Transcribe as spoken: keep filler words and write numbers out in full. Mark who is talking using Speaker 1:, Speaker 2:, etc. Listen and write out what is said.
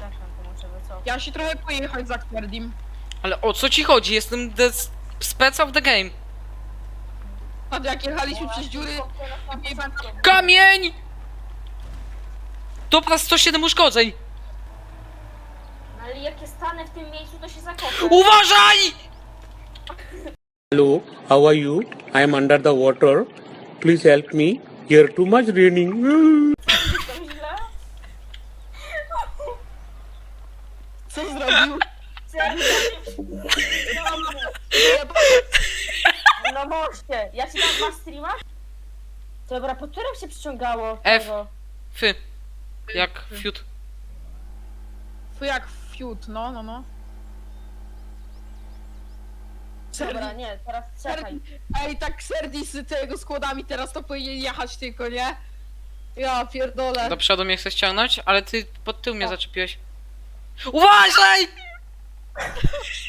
Speaker 1: Przepraszam, to muszę wycofać.
Speaker 2: Ja się trochę pojechać za Kwerdim.
Speaker 3: Ale o co ci chodzi? Jestem the spec of the game.
Speaker 2: A jak jechaliśmy przez dziury...
Speaker 3: Kamień! Dobra, sto siedem uszkodzeń.
Speaker 1: No ale jak ja stanę w tym miejscu, to się zakopię.
Speaker 3: Uważaj!
Speaker 4: Hello, how are you? I am under the water. Please help me. Here too much raining.
Speaker 1: To źle?
Speaker 2: Co zrobił?
Speaker 1: Na moście! Ja ci dam dwa streama? Dobra, po którym się przyciągało?
Speaker 3: F.
Speaker 1: tego?
Speaker 3: Fy. Jak fiut.
Speaker 2: Fu jak fiut, no, no, no.
Speaker 1: Dobra,
Speaker 2: Serdi,
Speaker 1: nie, teraz czekaj.
Speaker 2: Serdi, ej, tak Serdi z tego składami teraz to powinien jechać tylko, nie? Ja pierdolę.
Speaker 3: Do przodu mnie chcesz ściągnąć, ale ty pod tył mnie
Speaker 1: Tak.
Speaker 3: zaczepiłeś. Uważaj!